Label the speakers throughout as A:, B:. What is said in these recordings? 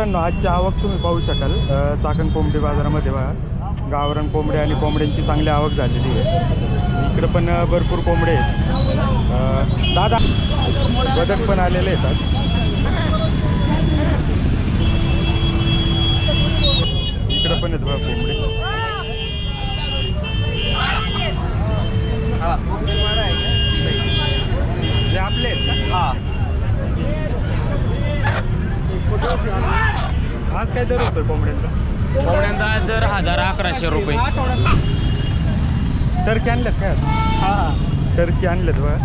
A: मित्रांनो, आजची आवक तुम्ही पाहू शकाल चाकण कोंबडी बाजारामध्ये बघा. गावरान कोंबडे आणि कोंबड्यांची चांगली आवक झालेली आहे. इकडे पण भरपूर कोंबडे आहेत. दादा बदक पण आलेले आहेत. इकडे पण आहेत बघा कोंबडे. हे आपले आहेत का? आज काय दर होतोय कोंबड्यांचा?
B: कोंबड्यांचा दर 1100 रुपये.
A: टर्की आणल्यात काय? टर्की आणल्यात बघा.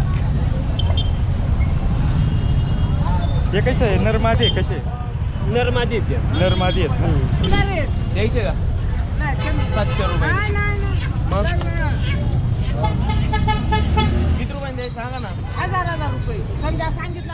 A: हे कसे आहे? नरमादी आहे कसे?
B: नरमादी
A: नरमादी आहेत ना?
B: द्यायचे का? 700 रुपये.
A: मग
B: किती रुपये द्यायचे सांगा ना.
C: 1000 रुपये समजा सांगितलं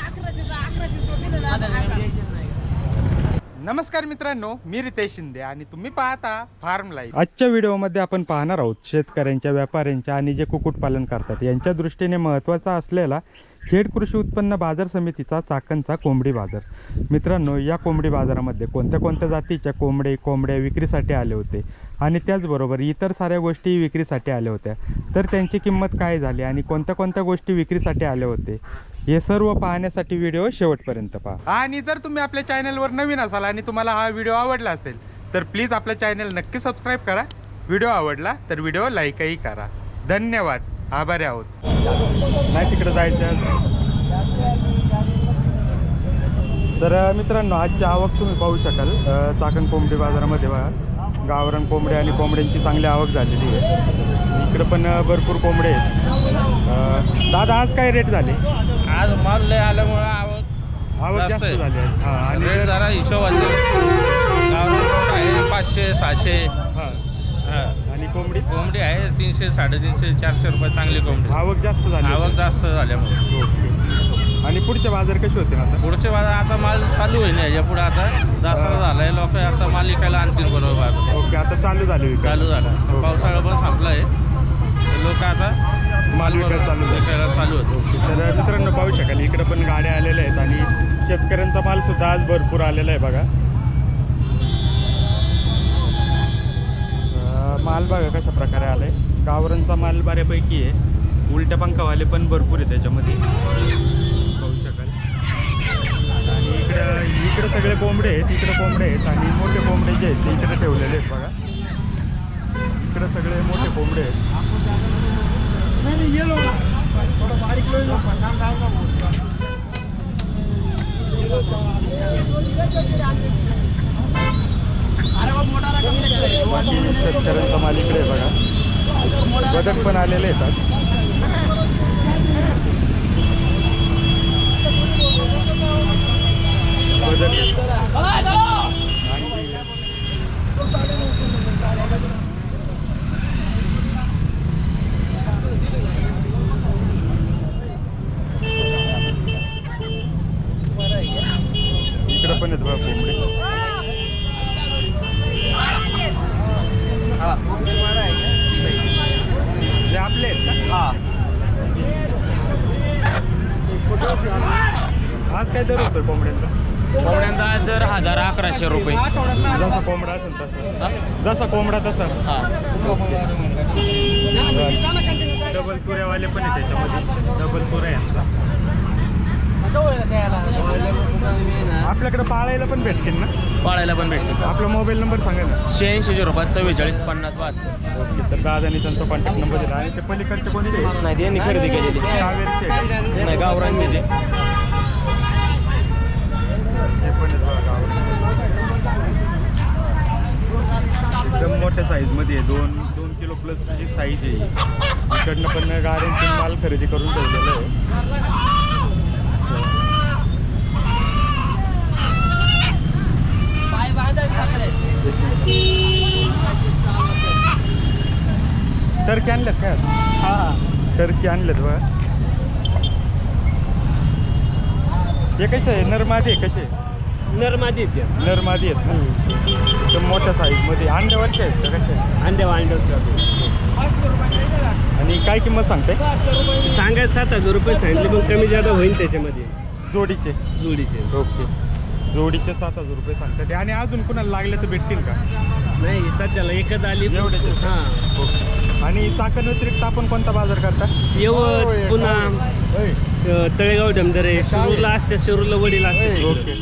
C: 1100
A: नमस्कार मित्रांनो, मी रितेश शिंदे आणि तुम्ही पाहता फार्म लाईफ. आजच्या व्हिडिओमध्ये आपण पाहणार आहोत शेतकऱ्यांच्या, व्यापाऱ्यांच्या आणि जे कुक्कुटपालन करतात यांच्या दृष्टीने महत्त्वाचा असलेला खेड कृषी उत्पन्न बाजार समितीचा चाकणचा कोंबडी बाजार. मित्रांनो, या कोंबडी बाजारामध्ये कोणत्या कोणत्या जातीच्या कोंबड्या विक्रीसाठी आले होते आणि त्याचबरोबर इतर साऱ्या गोष्टी विक्रीसाठी आल्या होत्या. तर त्यांची किंमत काय झाली आणि कोणत्या कोणत्या गोष्टी विक्रीसाठी आले होते हे सर्व पाहण्यासाठी व्हिडिओ शेवटपर्यंत पहा. आणि जर तुम्ही आपल्या चॅनलवर नवीन असाल आणि तुम्हाला हा व्हिडिओ आवडला असेल तर प्लीज आपल्या चॅनल नक्की सबस्क्राईब करा. व्हिडिओ आवडला तर व्हिडिओ लाईकही करा. धन्यवाद, आभारी आहोत. नाही तिकडे जायचं. तर मित्रांनो, आजची आवक तुम्ही पाहू शकाल चाकण कोंबडी बाजारामध्ये बघा. गावरान कोंबडे आणि कोंबड्यांची चांगली आवक झालेली आहे. इकडे पण भरपूर कोंबडे आहेत. दादा आज काय रेट झाले?
B: आज माल लय आल्यामुळे
A: आवक जास्त झाली आहे. हां, आणि
B: रेट जरा हिशोबाने आहे 500 600.
A: हां,
B: हां.
A: आणि कोंबडी
B: कोंबडी आहे 300 350 400 रुपये. चांगली कोंबडी.
A: आवक जास्त झाली.
B: आवक जास्त झाल्यामुळे.
A: ओके. आणि पुढचे बाजार कसे होते आता?
B: पुढचे बाजार आता माल चालू होईल. याच्या पुढे आता दसरा झालाय. लोक आता माल विकायला आणतील बरोबर.
A: ओके, आता चालू झाले विकायला.
B: चालू झाला.
A: हो.
B: पावसाळा पण संपलाय. लोक आता
A: माल विकायला
B: चालू होतो.
A: तर मित्रांनो, पाहू शकाल इकडे पण गाड्या आलेल्या आहेत आणि शेतकऱ्यांचा माल सुद्धा आज भरपूर आलेला आहे बघा. माल बघा कशा प्रकारे आलाय. गावरांचा माल बऱ्यापैकी आहे. उलट्या पंखावाले पण भरपूर आहे त्याच्यामध्ये, पाहू शकाल. आणि इकडे सगळे कोंबडे आहेत. इकडे कोंबडे आहेत आणि मोठे कोंबडे जे आहेत ते इकडे ठेवलेले आहेत बघा. इकडे सगळे मोठे कोंबडे आहेत. बाकी शेतकऱ्यांचा माल इकडे आहे बघा. बदक पण आलेले आहेत. इकडे पण आहेत बघा कोंबडे. जे आपले आहेत का? आज काय दर होतोय कोंबड्यांचा?
B: कोंबड्यांचा दर 1100 रुपये.
A: जसा कोंबडा असेल तसा. जसा कोंबडा तसा. डबल तुऱ्यावाले पण आहे त्याच्यामध्ये. डबल तुऱ्या यांचा आपल्याकडे पाळायला पण भेटतील ना?
B: पाळायला पण भेटते.
A: आपला मोबाईल नंबर सांगा ना.
B: 86 रुपये 44 50 72.
A: ओके. तर दादानी त्यांचा कॉन्टॅक्ट नंबर दिला. आणि ते पलीकडचे कोणते?
B: नाही त्यांनी खरेदी केलेली.
A: कावेरचे
B: नाही, गावरांचे ते.
A: हे पण आहेत बघा गावरान. एकदम मोठ्या साईजमध्ये आहे. 2 किलो प्लस त्याची साईज आहे. इकडनं पण गाड्यांचे माल खरेदी करून ठेवलेलं आहे. टर्की आणल्यात काय? टर्की आणल्यात बघा. हे कसे आहे? नरमादी आहे कसे?
B: नरमादी
A: नरमादी आहेत ना? एकदम मोठ्या साईजमध्ये. अंड्यावरचे आहेत का कसे?
B: अंड्यावर.
A: आणि काय किंमत सांगते?
B: सांगायचं 7000 रुपये सांगितले, पण कमी जादा होईल त्याच्यामध्ये.
A: जोडीचे.
B: जोडीचे.
A: ओके. जोडीचे 7,000 रुपये सांगतात आणि अजून कुणाला लागले तर भेटतील का?
D: नाही सध्याला एकच आली.
A: एवढेच आहेत.
D: हां
A: ओके. आणि चाकण व्यतिरिक्त आपण कोणता बाजार करता?
D: यवत पुन्हा तळेगाव डमदरे शिरूरला असते, शिरूरला वडील असते.
A: ओके.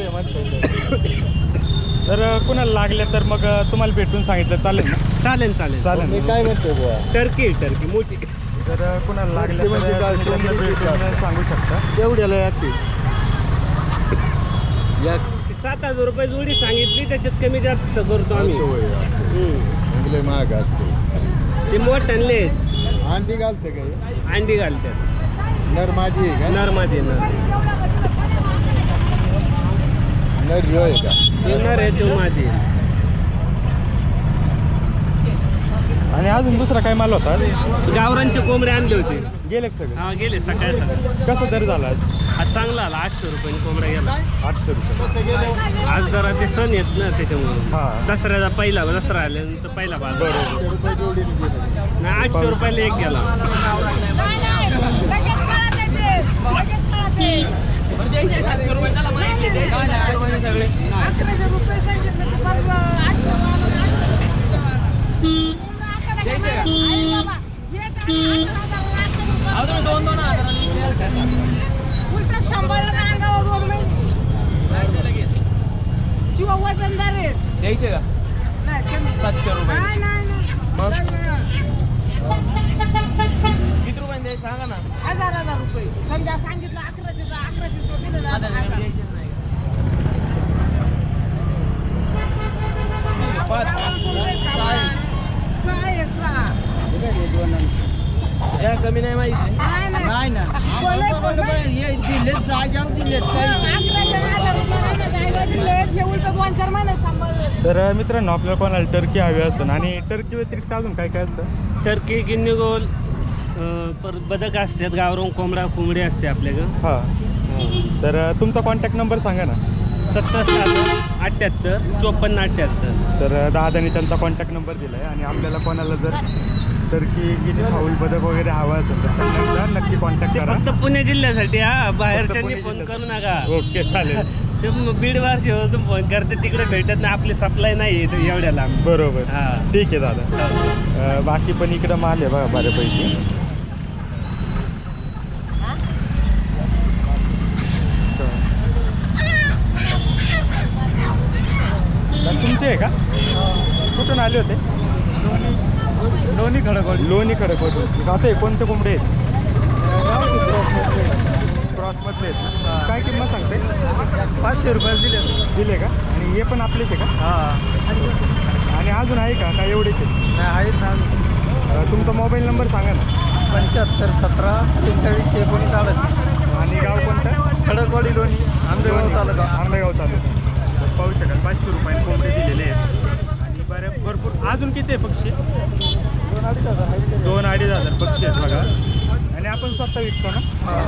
A: तर कुणाला लागले तर मग तुम्हाला भेटून सांगितलं चालेल ना?
D: चालेल चालेल
A: चालेल ना?
E: काय म्हणतो बुवा
D: टर्की टर्की मोठी
A: तर कुणाला लागले तर तुम्ही त्यांना भेटून सांगू शकता.
E: तेवढ्याला याची या
D: 7,000 रुपये जोडी सांगितली, त्याच्यात कमी जास्त करतो आम्ही.
E: चांगले महाग असते.
D: ते मोठ आणले
E: अंडी घालते काय
D: अंडी घालतात.
E: नर माझी आहे का
D: नरमध्ये नर
E: नर ह्यो आहे का
D: नर आहे तो माझी.
A: आणि अजून दुसरा काय माल होता?
D: गावरांचे कोंबडे आणले होते.
A: गेले का सगळे?
D: हा गेले सकाळी सकाळी.
A: कसं दर झाला आज?
D: आज चांगला आला, 800 रुपयाने कोंबडा गेला.
A: 800 रुपये.
D: आज जरा ते सण येत ना त्याच्यामुळे.
A: हा.
D: दसऱ्याचा पहिला दसरा आल्यानंतर पहिला बाजार.
A: बरोबर.
E: रुपये जोडीने दिले
D: नाही 800 रुपयाला एक गेला.
C: नाही, नाही. लगेच कळत आहे ते. लगेच कळत आहे. 1100 रुपये सांगितलं तर मग 800 उलट सांभाळलं ना अंगावर 2 महिने शिवाय वजनदार आहेत.
B: द्यायचे का?
C: नाही, कमी.
B: 700 रुपये.
C: नाही, नाही, नाही.
B: किती रुपये द्यायचे सांगा ना.
C: 1000 रुपये समजा सांगितलं 1100 दिलं ना 1000.
B: या कमी नाही माहिती.
E: नाही ना दिले जाग्यावर दिले
A: तर मित्रांनो आपल्याला कोणाला टर्की हवी असतं आणि टर्की व्यतिरिक्त अजून काय काय असतं?
D: टर्की गिन्नी गोल परत बदक असतात, गावरान कोंबडा कोंबडी असते आपल्याकडं.
A: हां. तर तुमचा कॉन्टॅक्ट नंबर सांगा ना.
D: 77 78 54.
A: तर दादाने त्यांचा कॉन्टॅक्ट नंबर दिला आहे आणि आपल्याला कोणाला जर टर्की गिनी फाऊल बदक वगैरे हवा असेल तर त्यांना नक्की कॉन्टॅक्ट
D: ते
A: करा.
D: फक्त पुणे जिल्ह्यासाठी हा, बाहेरच्यांनी
A: पुणे
D: फोन करू
A: जिल्ह्यासाठी.
D: नका.
A: ओके चालेल.
D: ते बीड वारशीवरून फोन करते, तिकडे भेटत नाही, आपली सप्लाय नाही आहे एवढ्या लांब.
A: बरोबर.
D: हा.
A: ठीक आहे दादा. बाकी पण इकडं माल आहे बघा बऱ्यापैकी. तुमचे आहे का? कुठून आले होते?
E: लोणी खडकवाडी
A: लोणी खडकवाडी. आता हे कोणते कोंबडे आहेत? क्रॉसमधले आहेत ना? काय किंमत सांगते?
E: 500 रुपये दिले
A: दिले का? आणि हे पण आपलेच आहे का?
E: हां
A: आणि अजून आहे का? काय एवढेच आहेत?
E: नाही आहेत ना.
A: तुमचा मोबाईल नंबर सांगा ना.
E: 75 17 43 19 38.
A: आणि गाव कोणतं?
E: खडकवाडी लोणी आंबेगाव तालुका.
A: आंबेगाव तालुका. तर पाहू शकाल 500 रुपयाने कोंबडे दिलेले आहेत आणि भरपूर अजून किती आहे पक्षी? 2-2.5 पक्षी आहेत बघा. आणि आपण स्वतः विकतो ना?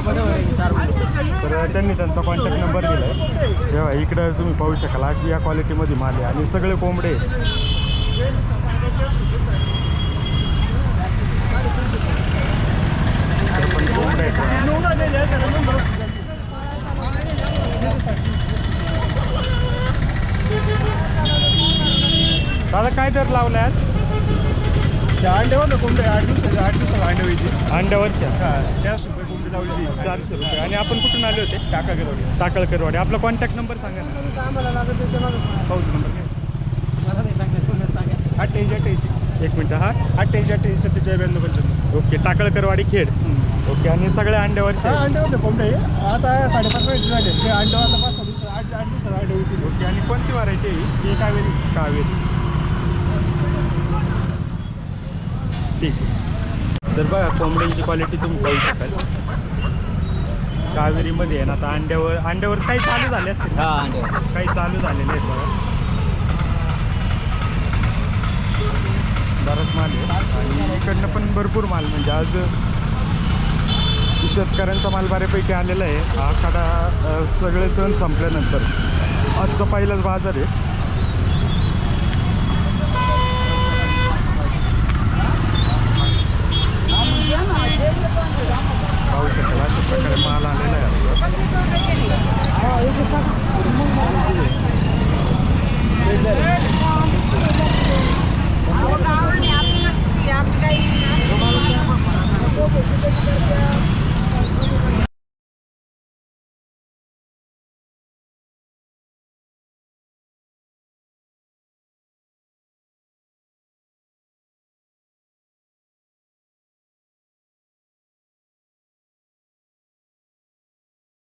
A: तर त्यांनी त्यांचा कॉन्टॅक्ट नंबर दिला आहे. तेव्हा इकडं तुम्ही पाहू शकाल अशी या क्वालिटीमध्ये माल आहे आणि सगळे कोंबडे पण कोंबडे आहेत. दादा काय दर लावला आज?
E: अंड्यावर ना कोंबडे 8 दिवसाला अंडे व्हायची.
A: अंड्यावरच्या
E: 400 रुपये कोंबडी लावली.
A: 400 रुपये. आणि आपण कुठून आले होते?
E: टाकागरवाडी.
A: टाकळकरवाडी. आपला कॉन्टॅक्ट नंबर सांगा ना.
E: आम्हाला लागत त्याच्या मागं पाऊस नंबर मला नाही सांगा. 88
A: एक मिनटं. हा
E: 88 47 95.
A: ओके. टाकळकरवाडी खेड. ओके. आणि सगळ्या अंड्यावरचे?
E: अंड्यावर कोंबडे आता 5.5 महिने झाले. ते अंड्यावर 5-6 दिवस 8 दिवसाला अंडे होती.
A: ओके. आणि कोणती व्हरायटी आहे?
E: हे कावेरी.
A: कावेरी. ठीक आहे. तर बघा कोंबड्यांची क्वालिटी तुम्ही पाहू शकाल. कावेरीमध्ये आहे ना. आता अंड्यावर काही चालू झाले असतील ना? काही चालू झालेले आहेत बघा. बराच माल आहे आणि इकडनं पण भरपूर माल म्हणजे आज शेतकऱ्यांचा माल बऱ्यापैकी आलेला आहे. आखाडा सगळे सण संपल्यानंतर आजचा पहिलाच बाजार आहे. पाहू शकाल अशा प्रकारे माल आलेला आहे आपला.